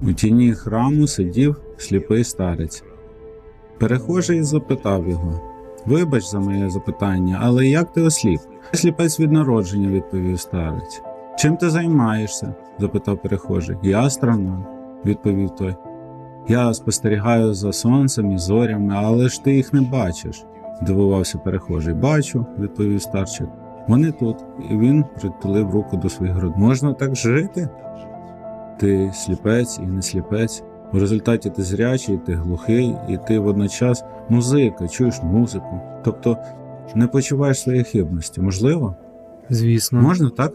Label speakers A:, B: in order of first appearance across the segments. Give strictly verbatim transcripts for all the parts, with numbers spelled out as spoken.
A: У тіні храму сидів сліпий старець. Перехожий запитав його: «Вибач за моє запитання, але як ти осліп?» «Сліпець від народження», – відповів старець. «Чим ти займаєшся?» – запитав перехожий. «Я астроном», – відповів той. «Я спостерігаю за сонцем і зорями, але ж ти їх не бачиш», – здивувався перехожий. «Бачу», – відповів старчик. «Вони тут», і він притулив руку до своїх грудей. «Можна так жити? Ти сліпець і не сліпець. У результаті ти зрячий, ти глухий, і ти водночас музика, чуєш музику. Тобто не почуваєш своєї хибності. Можливо?»
B: Звісно.
A: Можна так?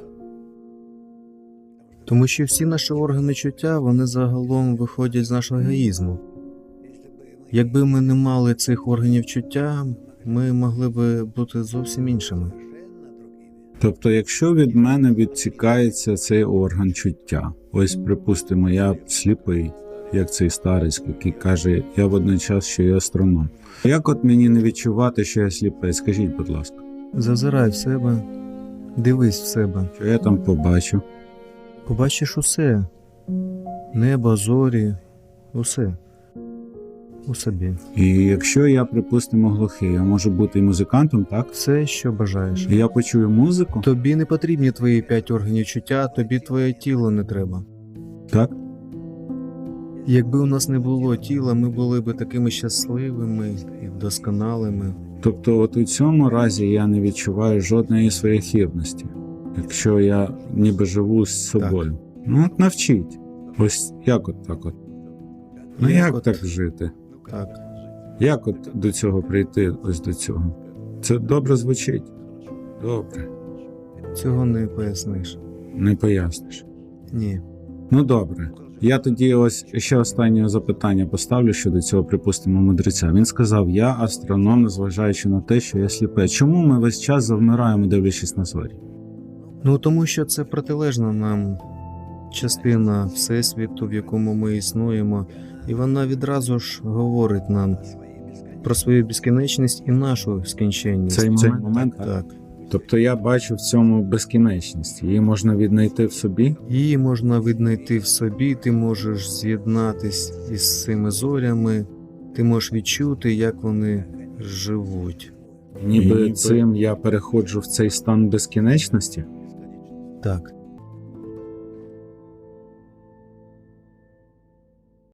B: Тому що всі наші органи чуття, вони загалом виходять з нашого егоїзму. Якби ми не мали цих органів чуття, ми могли би бути зовсім іншими.
A: Тобто, якщо від мене відсікається цей орган чуття, ось, припустимо, я сліпий, як цей старець, який каже, я водночас ще й астроном. Як от мені не відчувати, що я сліпий? Скажіть, будь ласка.
B: Зазирай в себе, дивись в себе.
A: Що я там побачу?
B: Побачиш усе. Небо, зорі, усе. У собі.
A: І якщо я, припустимо, глухий, я можу бути і музикантом, так?
B: Все, що бажаєш.
A: І я почую музику?
B: Тобі не потрібні твої п'ять органів чуття, тобі твоє тіло не треба.
A: Так?
B: Якби у нас не було тіла, ми були б такими щасливими і досконалими.
A: Тобто от у цьому разі я не відчуваю жодної своєї хибності, якщо я ніби живу з собою. Так. Ну от навчіть. Ось як от так от. Ну як, як от... так жити?
B: Так.
A: Як от до цього прийти, ось до цього? Це добре звучить? Добре.
B: Цього не поясниш.
A: Не поясниш?
B: Ні.
A: Ну добре. Я тоді ось ще останнє запитання поставлю щодо цього, припустимо, мудреця. Він сказав, я астроном, незважаючи на те, що я сліпий. Чому ми весь час завмираємо, дивлячись на зорі?
B: Ну тому що це протилежна нам частина Всесвіту, в якому ми існуємо, і вона відразу ж говорить нам про свою безкінечність і нашу скінченність.
A: Цей момент, Цей момент
B: так. так.
A: Тобто я бачу в цьому безкінечність. Її можна віднайти в собі?
B: Її можна віднайти в собі, ти можеш з'єднатись із цими зорями, ти можеш відчути, як вони живуть.
A: Ніби і цим я переходжу в цей стан безкінечності?
B: Так.